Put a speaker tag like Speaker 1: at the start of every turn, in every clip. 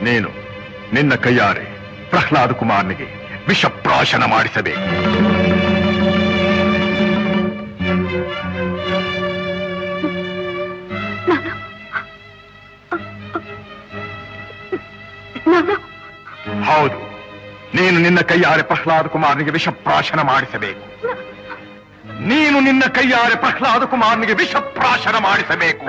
Speaker 1: ನೀನು ನಿನ್ನ ಕೈಯಾರೆ ಪ್ರಹ್ಲಾದ ಕುಮಾರನಿಗೆ ವಿಷಪ್ರಾಶನ ಮಾಡಿಸಬೇಕು. ಹೌದು, ನೀನು ನಿನ್ನ ಕೈಯಾರೆ ಪ್ರಹ್ಲಾದ ಕುಮಾರನಿಗೆ ವಿಷಪ್ರಾಶನ ಮಾಡಿಸಬೇಕು. ನೀನು ನಿನ್ನ ಕೈಯಾರೆ ಪ್ರಹ್ಲಾದ ಕುಮಾರನಿಗೆ ವಿಷಪ್ರಾಶನ ಮಾಡಿಸಬೇಕು.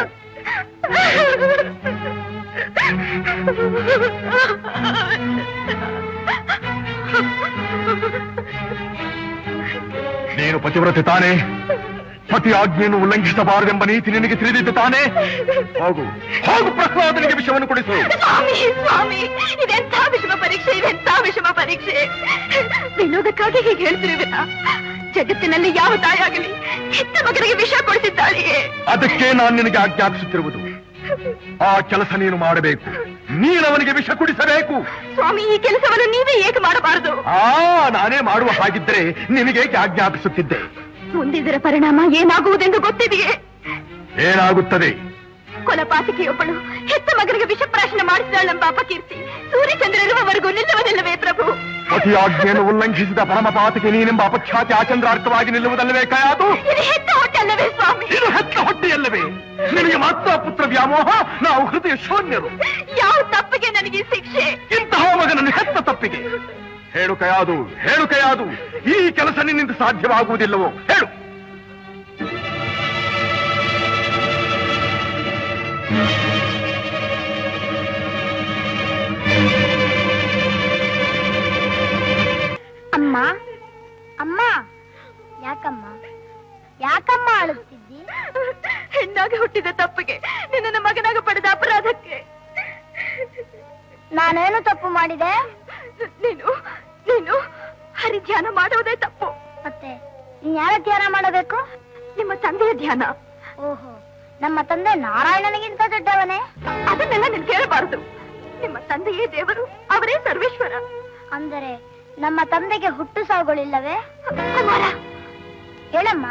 Speaker 1: ನೀನು ಪತಿವ್ರತೆ ತಾನೇ? ಪತಿ ಆಜ್ಞೆಯನ್ನು ಉಲ್ಲಂಘಿಸಬಾರದೆಂಬ ನೀತಿ ನಿನಗೆ ತಿಳಿದಿದ್ದು ತಾನೇ? ಹೋಗು ಹೋಗು, ಪ್ರಹ್ಲಾದನಿಗೆ ವಿಷವನ್ನು ಕೊಡಿಸು.
Speaker 2: ಸ್ವಾಮಿ ಸ್ವಾಮಿ, ಇದೆಂಥ ವಿಷಮ ಪರೀಕ್ಷೆ, ಇದೆಂಥ ವಿಷಮ ಪರೀಕ್ಷೆ. ವಿನೋದಕ್ಕಾಗಿ ಹೀಗೆ ಹೇಳ್ತಿರುವಿನ? ಜಗತ್ತಿನಲ್ಲಿ ಯಾವ ತಾಯಾಗಲಿ ಹೆತ್ತ ಮಗನಿಗೆ ವಿಷ ಕೊಡಿಸಿದ್ದಾಳೆಯೇ?
Speaker 1: ಅದಕ್ಕೆ ನಾನು ನಿನಗೆ ಆಜ್ಞಾಪಿಸುತ್ತಿರುವುದು. ಆ ಕೆಲಸ ನೀನು ಮಾಡಬೇಕು. ನೀನು ಅವನಿಗೆ ವಿಷ ಕುಡಿಸಬೇಕು.
Speaker 2: ಸ್ವಾಮಿ, ಈ ಕೆಲಸವನ್ನು ನೀವೇ ಏಕೆ ಮಾಡಬಾರದು?
Speaker 1: ನಾನೇ ಮಾಡುವ ಹಾಗಿದ್ದರೆ ನಿನಗೇಕೆ ಆಜ್ಞಾಪಿಸುತ್ತಿದ್ದೆ?
Speaker 2: ಮುಂದಿದರ ಪರಿಣಾಮ ಏನಾಗುವುದೆಂದು ಗೊತ್ತಿದೆಯೇ?
Speaker 1: ಏನಾಗುತ್ತದೆ?
Speaker 2: ಕೊಲಪಾತಕಿಯೊಬ್ಬಳು ಹೆತ್ತ ಮಗನಿಗೆ ವಿಷಪ್ರಾಶನ ಮಾಡಿಸಿದಾಳೆಂಬ ಅಪಕೀರ್ತಿ ಸೂರ್ಯಚಂದ್ರನಿರುವವರೆಗೂ ನಿಲ್ಲುವುದಿಲ್ಲವೇ ಪ್ರಭು?
Speaker 1: ಪತಿ ಆಜ್ಞೆಯನ್ನು ಉಲ್ಲಂಘಿಸಿದ ಪರಮಪಾತಕ್ಕೆ ನೀನೆಂಬ ಅಪಖ್ಯಾತಿ ಆಚಂದ್ರಾರ್ಥವಾಗಿ ನಿಲ್ಲುವುದಲ್ಲವೇ ಕಯಾದು?
Speaker 2: ಇದು ಹೆತ್ತ ಹೊಟ್ಟೆ ಅಲ್ಲವೇ ಸ್ವಾಮಿ?
Speaker 1: ಇದು ಹೆತ್ತ ಹೊಟ್ಟೆಯಲ್ಲವೇ? ನಿನಗೆ ಮಾತ್ರ ಪುತ್ರ ವ್ಯಾಮೋಹ, ನಾವು ಹೃದಯ ಶೂನ್ಯರು.
Speaker 2: ಯಾವ ತಪ್ಪಿಗೆ ನನಗೆ ಶಿಕ್ಷೆ?
Speaker 1: ಇಂತಹ ಮಗನನ್ನು ಹೆತ್ತ ತಪ್ಪಿಗೆ. ಹೇಳು ಕಯಾದು, ಹೇಳು ಕಯಾದು, ಈ ಕೆಲಸ ನಿನ್ನಿಂದ ಸಾಧ್ಯವಾಗುವುದಿಲ್ಲವೋ? ಹೇಳು.
Speaker 3: ಅಮ್ಮ ಅಮ್ಮ, ಯಾಕಮ್ಮ ಯಾಕಮ್ಮ ಅಳುತ್ತಿದ್ದಿ?
Speaker 2: ಹೆಣ್ಣಾಗಿ ಹುಟ್ಟಿದ ತಪ್ಪಿಗೆ, ನಿನ್ನ ಮಗನಾಗ ಪಡೆದ ಅಪರಾಧಕ್ಕೆ.
Speaker 3: ನಾನೇನು ತಪ್ಪು ಮಾಡಿದೆ?
Speaker 2: ನೀನು ನೀನು ಹರಿಧ್ಯಾನ ಮಾಡುವುದೇ ತಪ್ಪು.
Speaker 3: ಮತ್ತೆ ನೀನ್ ಯಾರ ಧ್ಯಾನ ಮಾಡಬೇಕು?
Speaker 2: ನಿಮ್ಮ ತಂದೆಯ ಧ್ಯಾನ.
Speaker 3: ಓಹೋ, ನಮ್ಮ ತಂದೆ ನಾರಾಯಣನಿಗಿಂತ ದೊಡ್ಡವನೇ?
Speaker 2: ಅದನ್ನೆಲ್ಲ ನೀನು ಕೇಳಬಾರದು. ನಿಮ್ಮ ತಂದೆಯೇ ದೇವರು, ಅವರೇ ಸರ್ವೇಶ್ವರ.
Speaker 3: ಅಂದರೆ ನಮ್ಮ ತಂದೆಗೆ ಹುಟ್ಟು ಸಾವುಗಳಿಲ್ಲವೇ?
Speaker 2: ಕುಮಾರ,
Speaker 3: ಹೇಳಮ್ಮ.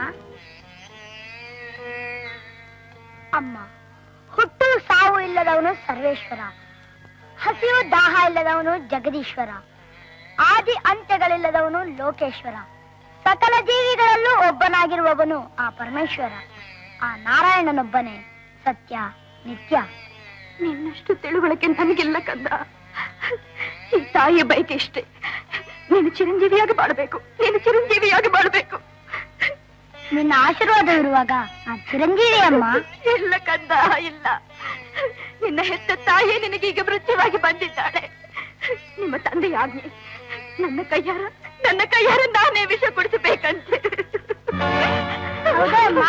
Speaker 3: ಅಮ್ಮ, ಹುಟ್ಟು ಸಾವು ಇಲ್ಲದವನು ಸರ್ವೇಶ್ವರ, ಹಸಿವು ದಾಹ ಇಲ್ಲದವನು ಜಗದೀಶ್ವರ, ಆದಿ ಅಂತ್ಯಗಳಿಲ್ಲದವನು ಲೋಕೇಶ್ವರ, ಸಕಲ ಜೀವಿಗಳಲ್ಲೂ ಒಬ್ಬನಾಗಿರುವವನು ಆ ಪರಮೇಶ್ವರ. ಆ ನಾರಾಯಣನೊಬ್ಬನೇ ಸತ್ಯ ನಿತ್ಯ.
Speaker 2: ನಿನ್ನಷ್ಟು ತಿಳುವಳಿಕೆ ನನಗಿಲ್ಲ ಕಂದ. ಈ ತಾಯಿಯ ಬಯಕೆ ಇಷ್ಟೇ, ನೀನು ಚಿರಂಜೀವಿಯಾಗಿ ಬಾಳಬೇಕು, ನೀನು ಚಿರಂಜೀವಿಯಾಗಿ ಬಾಳಬೇಕು.
Speaker 3: ನಿನ್ನ ಆಶೀರ್ವಾದ ಇರುವಾಗ ಆ ಚಿರಂಜೀವಿ ಅಮ್ಮ.
Speaker 2: ಇಲ್ಲ ಕಂದ, ಇಲ್ಲ. ನಿನ್ನ ಹೆತ್ತ ತಾಯಿಯೇ ನಿನಗೀಗ ಮೃತ್ಯುವಾಗಿ ಬಂದಿದ್ದಾಳೆ. ನಿಮ್ಮ ತಂದೆಯ ಆಜ್ಞೆ, ನನ್ನ ಕೈಯಾರ ನಾನೇ ವಿಷ ಕೊಡಿಸಬೇಕಂತೆ.
Speaker 3: ಹೌದಾ ಅಮ್ಮ?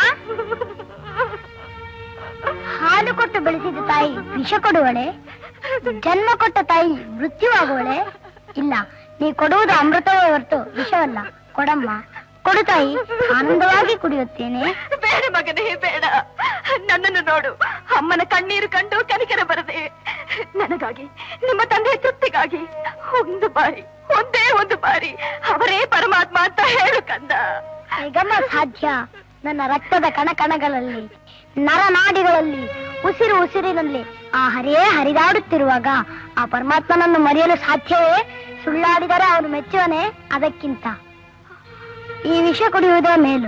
Speaker 3: ಹಾಲು ಕೊಟ್ಟು ಬೆಳೆಸಿದ ತಾಯಿ ವಿಷ ಕೊಡುವಳೆ? ಜನ್ಮ ಕೊಟ್ಟ ತಾಯಿ ಮೃತ್ಯುವಾಗುವಳೆ? ಇಲ್ಲ, ನೀ ಕೊಡುವುದು ಅಮೃತವೇ ಹೊರತು ವಿಷವಲ್ಲ. ಕೊಡಮ್ಮ, ಕೊಡು ತಾಯಿ, ಆನಂದವಾಗಿ ಕುಡಿಯುತ್ತೇನೆ.
Speaker 2: ಬೇಡ ಮಗನೇ, ಬೇಡ. ನನ್ನನ್ನು ನೋಡು, ಅಮ್ಮನ ಕಣ್ಣೀರು ಕಂಡು ಕನಿಕರ ಬರದೆ ನನಗಾಗಿ, ನಿಮ್ಮ ತಂದೆಯ ತೃಪ್ತಿಗಾಗಿ ಒಂದೇ ಒಂದು ಬಾರಿ ಅವರೇ ಪರಮಾತ್ಮ ಅಂತ ಹೇಳು ಕಂದ.
Speaker 3: ಹೇಗಮ್ಮ ಸಾಧ್ಯ? ನನ್ನ ರಕ್ತದ ಕಣಕಣಗಳಲ್ಲಿ, ನರನಾಡಿಗಳಲ್ಲಿ, ಉಸಿರಿನಲ್ಲಿ ಆ ಹರಿಯೇ ಹರಿದಾಡುತ್ತಿರುವಾಗ ಆ ಪರಮಾತ್ಮನನ್ನು ಮರೆಯಲು ಸಾಧ್ಯವೇ? ಸುಳ್ಳಾಡಿದರೆ ಅವನು ಮೆಚ್ಚುವನೇ? ಅದಕ್ಕಿಂತ ಈ ವಿಷ ಕುಡಿಯುವುದೇ ಮೇಲು.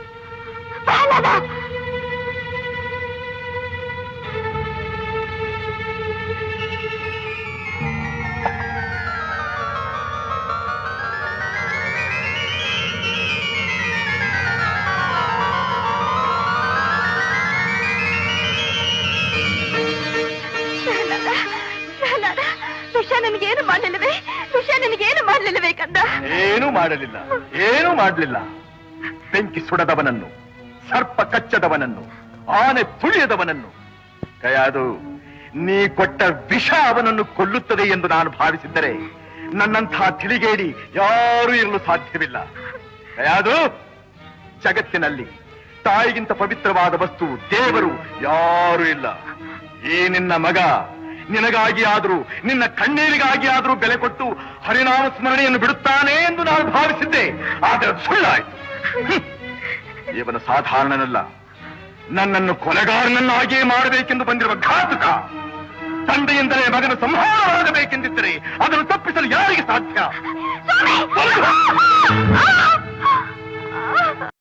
Speaker 2: ವಿಷ ನನಗೇನು ಮಾಡಲಿಲ್ಲವೇ ಕಂದ?
Speaker 1: ಏನೂ ಮಾಡಲಿಲ್ಲ. ಬೆಂಕಿ ಸುಡದವನನ್ನು, ಸರ್ಪ ಕಚ್ಚದವನನ್ನು, ಆನೆ ತುಳಿಯದವನನ್ನು, ಕಯಾದು, ನೀ ಕೊಟ್ಟ ವಿಷ ಅವನನ್ನು ಕೊಲ್ಲುತ್ತದೆ ಎಂದು ನಾನು ಭಾವಿಸಿದ್ದರೆ ನನ್ನಂತಹ ತಿಳಿಗೇಡಿ ಯಾರೂ ಇರಲು ಸಾಧ್ಯವಿಲ್ಲ. ಕಯಾದು, ಜಗತ್ತಿನಲ್ಲಿ ತಾಯಿಗಿಂತ ಪವಿತ್ರವಾದ ವಸ್ತು, ದೇವರು ಯಾರೂ ಇಲ್ಲ. ಈ ನಿನ್ನ ಮಗ ನಿನಗಾಗಿ ಆದರೂ, ನಿನ್ನ ಕಣ್ಣೀರಿಗಾಗಿ ಆದರೂ ಬೆಲೆ ಕೊಟ್ಟು ಹರಿನಾಮ ಸ್ಮರಣೆಯನ್ನು ಬಿಡುತ್ತಾನೆ ಎಂದು ನಾನು ಭಾವಿಸಿದ್ದೆ. ಆದರೆ ಸುಳ್ಳಾಯಿತು. ಇವನು ಸಾಧಾರಣನಲ್ಲ, ನನ್ನನ್ನು ಕೊಲೆಗಾರನನ್ನಾಗಿಯೇ ಮಾಡಬೇಕೆಂದು ಬಂದಿರುವ ಘಾತುಕ. ತಂದೆಯಿಂದಲೇ ಮಗನ ಸಂಹಾರವಾಗಬೇಕೆಂದಿದ್ದರೆ ಅದನ್ನು ತಪ್ಪಿಸಲು ಯಾರಿಗೆ ಸಾಧ್ಯ?